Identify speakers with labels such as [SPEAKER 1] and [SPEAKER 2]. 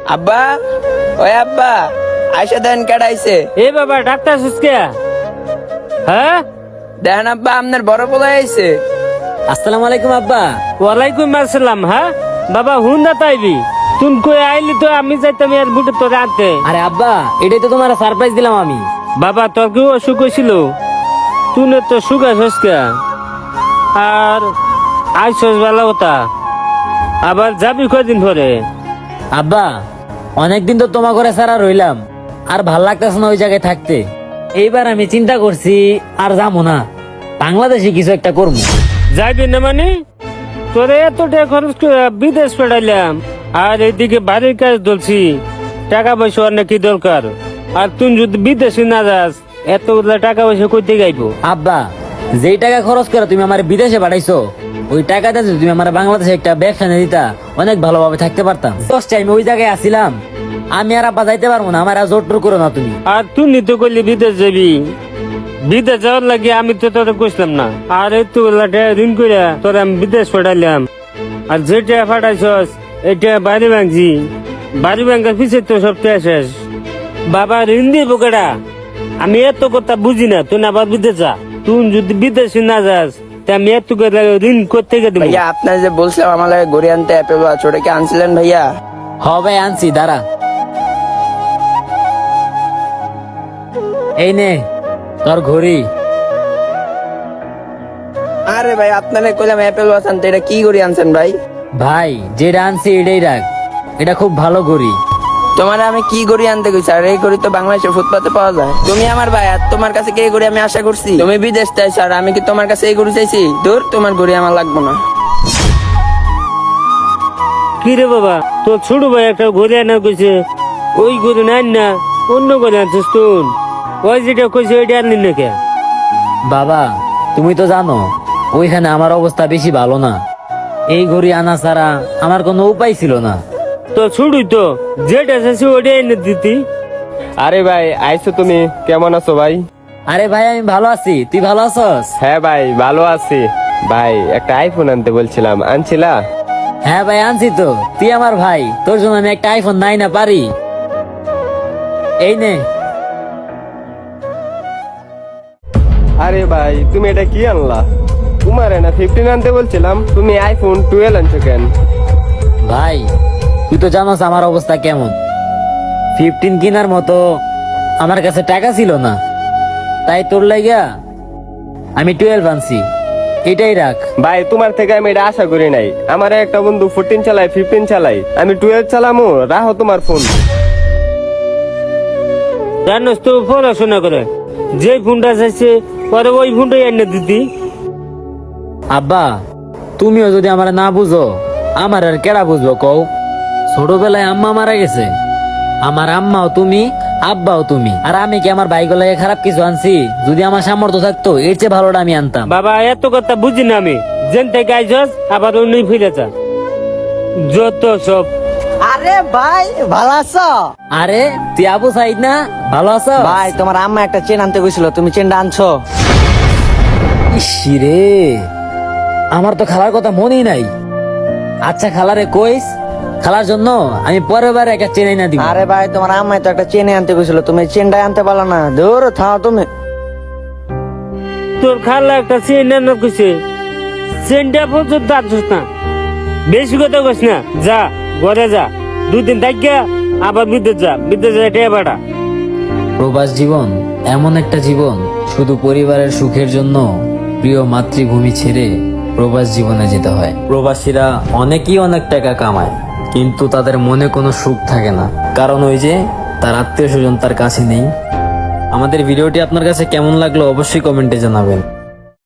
[SPEAKER 1] আব্বা, ওই আব্বা, আয়সা দেন কেডাইছে।
[SPEAKER 2] এ বাবা ডাক্তার সুস্কে হ্যাঁ
[SPEAKER 1] দেখেন আব্বা, আপনার বড় পোলা আইছে।
[SPEAKER 3] আসসালামু আলাইকুম আব্বা।
[SPEAKER 2] ওয়ালাইকুম আসসালাম। হ্যাঁ বাবা হুন না তাইবি তুই কই আইলি তো আমি যাইতাম এর বুটে তোরে আনতে।
[SPEAKER 3] আরে আব্বা, এটাই তো তোমার সারপ্রাইজ দিলাম আমি।
[SPEAKER 2] বাবা তোর কি অসুখ হয়েছিল? তুই তো সুখ আছিস কে? আর আইসস ভালো কথা, আবার যাবি কদিন পরে?
[SPEAKER 3] আব্বা, অনেকদিন তো তোমার ঘরে সারা রইলাম, আর ভাল লাগতেছে না ওই জায়গায় থাকতে। এইবার আমি চিন্তা করছি আর যাবো না, বাংলাদেশে কিছু একটা করবো।
[SPEAKER 2] যাইবি না মানে? তোরে এত টাকা খরচ করে বিদেশ পাঠাইলাম, আর এইদিকে বাড়ির কাজ ধরছি, টাকা পয়সা অনেক কি দরকার। আর তুই যদি বিদেশে না যাস এতগুলা টাকা পয়সা কইতে গাইবো?
[SPEAKER 3] আব্বা, যেই টাকা খরচ করে তুমি আমার বিদেশে পাঠাইছো, ওই টাকাটা যদি তুমি আমার বাংলাদেশে একটা ব্যবসা নিয়ে দিতা, অনেক ভালোভাবে থাকতে পারতাম। দশ টাইমে ওই জায়গায় আসিলাম, আমি আর আব্বা যাইতে পারবো না, আমার আর জোর টোর করো না তুমি।
[SPEAKER 2] আর তুই নিতে করলি বিদেশ যাবি, বিদেশ যাওয়ার লাগে আমি তো তোরে কইলাম না। আর এতগুলা টাকা ঋণ করে তোরে আমি বিদেশ পাঠাইলাম, আর যে টাকা পাঠাইছস এটা বাড়ি ভাঙছি, বাড়ি ভাঙার পিছিয়ে তো সব টাকা শেষ। বাবা ঋণ দিব কেডা? আমি এত কথা বুঝি না। তুই আবার বিদেশ যা, তুই যদি বিদেশে না যাস তা আমি এত করে ঋণ করতে গেলে
[SPEAKER 1] ভাইয়া, আপনার যে বলছিলাম আমার লাগে ঘুরে আনতে অ্যাপেল ওয়াচ, ওটা কি আনছিলেন ভাইয়া?
[SPEAKER 3] হ ভাই, আনছি, দাঁড়া। এই নে তোর ঘড়ি।
[SPEAKER 1] আরে ভাই, আপনারে কইলাম অ্যাপেল ওয়াচ আনতে, এটা কি ঘড়ি আনছেন ভাই?
[SPEAKER 3] ভাই, যেটা আনছি এটাই রাখ, এটা খুব ভালো ঘড়ি।
[SPEAKER 1] তোমার আমি কি ঘড়ি আনতে কইছি? আর এই ঘড়ি তো বাংলাদেশের ফুটপাতে পাওয়া যায়। তুমি আমার ভাই, আর তোমার কাছে কি এই ঘড়ি আমি আশা করছি? তুমি বিদেশ চাইছো, আর আমি কি তোমার কাছে এই ঘড়ি চাইছি? দূর, তোমার ঘড়ি আমার লাগবে না।
[SPEAKER 2] কি রে বাবা, তোর ছোট ভাই একটা ঘুরে আনার কইছে, ওই ঘুরে নাই না অন্য ঘরে আনছিস তুই? ওই যেটা কইছে ওইটা আনলি না কে?
[SPEAKER 3] বাবা, তুমি তো জানো ওইখানে আমার অবস্থা বেশি ভালো না, এই ঘড়ি আনা ছাড়া আমার কোনো উপায় ছিল না।
[SPEAKER 2] তো ছুড়ুই তো, যেটা চাইছি ওইটা এনে দিতি।
[SPEAKER 4] আরে ভাই, আইছো তুমি? কেমন আছো ভাই?
[SPEAKER 3] আরে ভাই, আমি ভালো আছি, তুই ভালো আছস?
[SPEAKER 4] হ্যাঁ ভাই, ভালো আছি। ভাই, একটা আইফোন আনতে বলছিলাম, আনছিলা?
[SPEAKER 3] হ্যাঁ ভাই, আনছি তো, তুই আমার ভাই, তোর জন্য আমি একটা আইফোন নাই না পারি। এই নে।
[SPEAKER 4] আরে ভাই, তুমি এটা কি আনলা? তোমার না 15 আনতে বলছিলাম, তুমি আইফোন 12 আনছো কেন?
[SPEAKER 3] ভাই, তুই তো জানোস আমার অবস্থা কেমন। 15 কেনার মতো আমার কাছে টাকা ছিল না, তাই তোর লাগিয়া আমি 12 আনছি, এটাই রাখ।
[SPEAKER 4] ভাই, তোমার থেকে আমি এটা আশা করি নাই। আমার একটা বন্ধু 14 চালায়, 15 চালাই, আমি 12 চালামু। রাখো তোমার ফোন।
[SPEAKER 2] জানোস তো পড়াশোনা করে, যে ফোনটা চাইছে পরে ওই ফোনটাই এনে দিতি।
[SPEAKER 3] আব্বা, তুমিও যদি আমার না বুঝো, আমার আর কেডা বুঝবো কও? ছোটবেলায় আম্মা মারা গেছে, আমার আম্মাও তুমি, আব্বাও তুমি, আর আমি কি আমার বাইক লাগে খারাপ কিছু আনছি? যদি আমার সামর্থ্য থাকতো এর চেয়ে ভালোটা আমি আনতাম।
[SPEAKER 2] বাবা এত কথা বুঝি না আমি, যেন থেকে আইসস আবার অন্য ফিরে যা, যত সব।
[SPEAKER 5] আরে ভাই, ভালো আছো?
[SPEAKER 3] আরে তুই আবু সাইদ না? ভালো আছো
[SPEAKER 5] ভাই, তোমার আম্মা একটা চেন আনতে গেছিল, তুমি চেনটা আনছো?
[SPEAKER 3] ইসিরে, আমার তো খালার কথা মনেই নাই। আচ্ছা খালারে কইস, খালার জন্য আমি পরের বার একটা চেন না দিব।
[SPEAKER 5] আরে ভাই, তোমার আম্মাই তো একটা চেনে আনতে গেছিল, তুমি চেনটাই আনতে পারলো না। দূর থাও তুমি।
[SPEAKER 2] তোর খালা একটা চেন এনে কইছে, চেনটা পর্যন্ত আনছিস না। বেশি কথা কইস না, যা ঘরে যা, 2 দিন থাকিয়া আবার বিদেশ যা, বিদেশ যা টেয়া পাঠা।
[SPEAKER 3] প্রবাস জীবন এমন একটা জীবন, শুধু পরিবারের সুখের জন্য প্রিয় মাতৃভূমি ছেড়ে প্রবাস জীবনে যেতে হয়। প্রবাসীরা অনেকেই অনেক টাকা কামায়, কিন্তু তাদের মনে কোনো সুখ থাকে না, কারণ ওই যে তার আত্মীয় স্বজন তার কাছে নেই। আমাদের ভিডিওটি আপনার কাছে কেমন লাগলো অবশ্যই কমেন্টে জানাবেন।